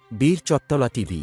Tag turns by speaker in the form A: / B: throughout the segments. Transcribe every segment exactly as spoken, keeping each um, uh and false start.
A: বীর চত্তলা টিভি।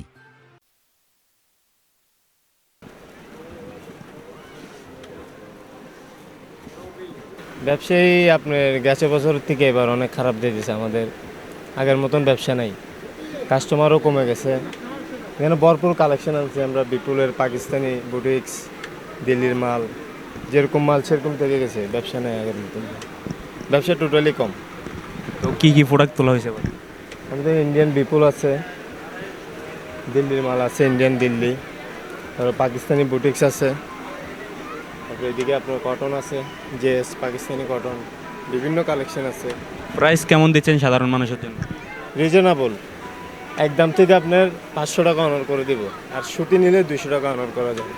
B: ব্যবসায়ী আপনার গেছে বছর থেকে এবার অনেক খারাপ দিয়ে দিয়েছে। আমাদের আগের মতন ব্যবসা নাই, কাস্টমারও কমে গেছে। এখানে ভরপুর কালেকশন আছে, আমরা বিপুলের পাকিস্তানি বুটিক্স, দিল্লির মাল, যেরকম মাল সেরকম থেকে গেছে। ব্যবসা নেই আগের মতন, ব্যবসা টোটালি কম।
C: তো কি কি প্রোডাক্ট তোলা হয়েছে এবার?
B: আমাদের ইন্ডিয়ান বিপুল আছে, দিল্লির মাল আছে, ইন্ডিয়ান দিল্লি, তারপর পাকিস্তানি বুটিক্স আছে, তারপরে এদিকে আপনার কটন আছে, জেস পাকিস্তানি কটন, বিভিন্ন কালেকশন আছে।
C: প্রাইস কেমন দিচ্ছেন সাধারণ মানুষের জন্য?
B: রিজনেবল, একদম থেকে আপনার পাঁচশো টাকা অনার করে দিব, আর সুতি নিলে দুইশো টাকা অনার করা যাবে।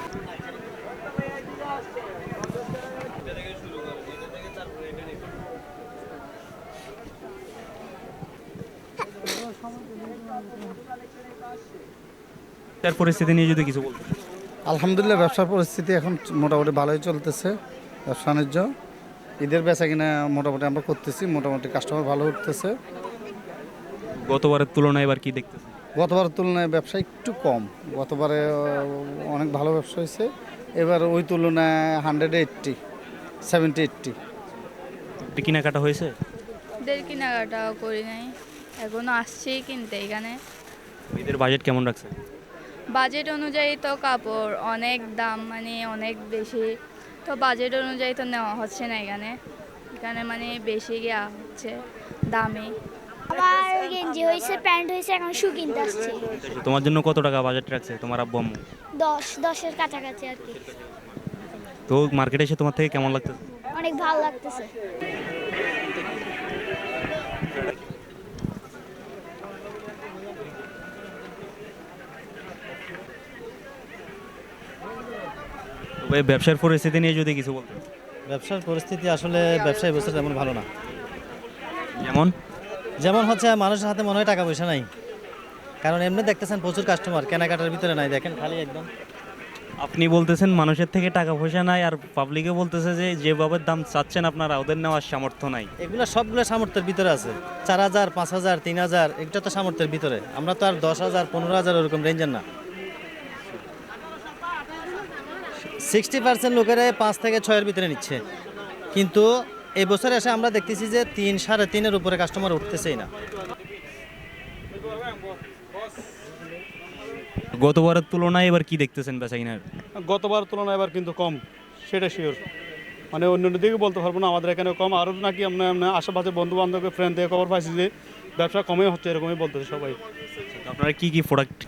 C: তার পরিস্থিতি নিয়ে যদি কিছু বলতেন।
D: আলহামদুলিল্লাহ, ব্যবসার পরিস্থিতি এখন মোটামুটি ভালোই চলতেছে। ব্যবসা বাণিজ্য, ঈদের বেচা কিনা মোটামুটি আমরা করতেছি, মোটামুটি কাস্টমার ভালো উঠতেছে।
C: গতবারের তুলনায় এবার কি দেখতেছেন?
D: গতবারের তুলনায় ব্যবসা একটু কম। গতবারে আহ, অনেক ভালো ব্যবসা হয়েছে, এবার ওই তুলনায় হান্ড্রেড এইট্টি সেভেন্টি এইট্টি।
C: একটু কেনাকাটা হয়েছে?
E: ঈদের কেনাকাটাও করি নাই, এখনো আসছি কিনতে। এখানে
C: ঈদের বাজেট কেমন রাখছেন?
E: বাজেট অনুযায়ী তো কাপড় অনেক দাম, মানে অনেক বেশি, তো বাজেট অনুযায়ী তো নেওয়া হচ্ছে না এখানে। এখানে মানে বেশি গিয়া হচ্ছে দামে।
F: আমার গেঞ্জি হয়েছে, প্যান্ট হয়েছে, এখন শু কিনতে আসছি।
C: তোমার জন্য কত টাকা বাজেট রাখছে তোমার আব্বু আম্মু?
F: দশ দশের কাছাকাছি আর কি।
C: তো মার্কেটে এসে তোমার থেকে কেমন লাগতেছে?
F: অনেক ভালো লাগতেছে।
C: তবে ব্যবসার পরিস্থিতি নিয়ে যদি কিছু বলতেন।
G: ব্যবসার পরিস্থিতি আসলে ব্যবসায় বছর তেমন ভালো না।
C: যেমন
G: যেমন হচ্ছে মানুষের হাতে মনে হয় টাকা পয়সা নাই, কারণ এমনি দেখতেছেন প্রচুর কাস্টমার, কেনাকাটার ভিতরে নাই, দেখেন খালি একদম।
C: আপনি বলতেছেন মানুষের থেকে টাকা পয়সা নাই, আর পাবলিকে বলতেছে যে যেভাবে দাম চাচ্ছেন আপনারা ওদের নেওয়ার সামর্থ্য নাই।
G: এগুলো সবগুলো সামর্থ্যের ভিতরে আছে। চার হাজার পাঁচ হাজার তিন হাজার এটা তো সামর্থ্যের ভিতরে, আমরা তো আর দশ হাজার পনেরো হাজার ওরকম রেঞ্জের না। সিক্সটি পার্সেন্ট লোকেরা পাঁচ থেকে ছয়ের ভিতরে নিচ্ছে, কিন্তু এই বছরে এসে আমরা দেখতেছি যে তিন সাড়ে তিনের উপরে কাস্টমার উঠতেছেই না।
C: গতবারের তুলনায় এবার কি দেখতেছেন বেচা কিনার?
H: গতবার তুলনায় এবার কিন্তু কম, সেটা শিওর। মানে অন্য অন্য দিকে বলতে পারবো না, আমাদের এখানে কম। আরও নাকি আমরা আমরা আশেপাশে বন্ধু বান্ধবের ফ্রেন্ড থেকে খবর পাইছি যে ব্যবসা কমই হচ্ছে, এরকমই বলতেছে সবাই।
C: আপনারা কি কি প্রোডাক্ট?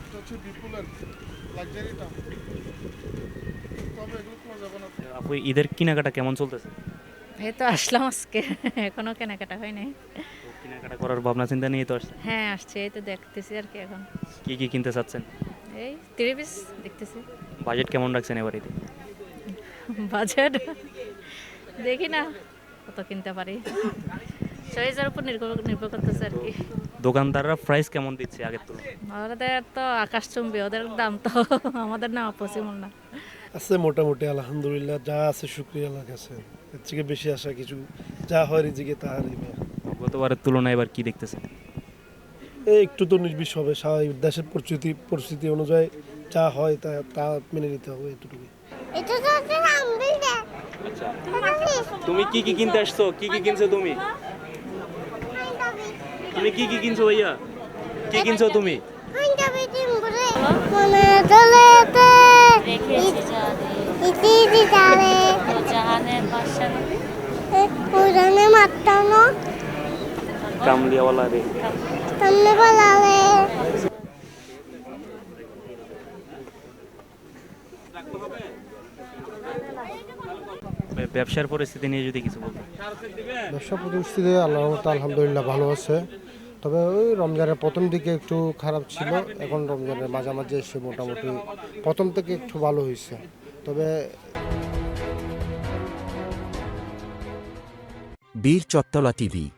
C: আপু ঈদের কেনাকাটা কেমন চলতেছে?
I: এই তো আসলাম আজকে, এখনো কেনাকাটা হয় নাই।
C: তো কেনাকাটা করার ভাবনা চিন্তা নিয়ে তো আসছেন।
I: হ্যাঁ আসছে, এই তো দেখতেছি আর কি। এখন
C: কি কি কিনতে চাচ্ছেন?
I: এই থ্রি পিস দেখতেছি।
C: বাজেট কেমন রাখছেন এবার ঈদে?
I: বাজেট দেখি না কত কিনতে পারি, চয়েসের উপর নির্ভর নির্ভর করতেছে আর কি।
C: দোকানদাররা প্রাইস কেমন দিচ্ছে আগের তুলনায়?
I: ওদের তো আকাশচুম্বী, ওদের দাম তো আমাদের না পসিবল না।
J: আছে মোটামুটি, আলহামদুলিল্লাহ, যা আছে শুক্রিয়া আল্লাহর কাছে। এর থেকে বেশি আসা কিছু, যা হয় রিজিকে তাহারই মেয়ে।
C: গতবারের তুলনায় এবার কি দেখতেছেন?
J: এই একটু তো উনিশ বিশ হবে, স্বাভাবিক। দেশের পরিস্থিতি পরিস্থিতি অনুযায়ী যা হয় তা তা মেনে নিতে হবে, এটুকুই।
C: তুমি কি কি কিনতে আসছো? কি কি কিনছো তুমি? তুমি কি কি কিনছো ভাইয়া? কি কিনছো তুমি? কামলিয়াওয়ালা রে। ব্যবসার পরিস্থিতি নিয়ে যদি কিছু বলতেন।
K: ব্যবসা পরিস্থিতি আল্লাহর রহমতে আলহামদুলিল্লাহ ভালো আছে। তবে ওই রমজানের প্রথম দিকে একটু খারাপ ছিল, এখন রমজানের মাঝামাঝি এসে মোটামুটি প্রথম থেকে একটু ভালো হয়েছে। তবে
A: বীর চত্তলা টিভি।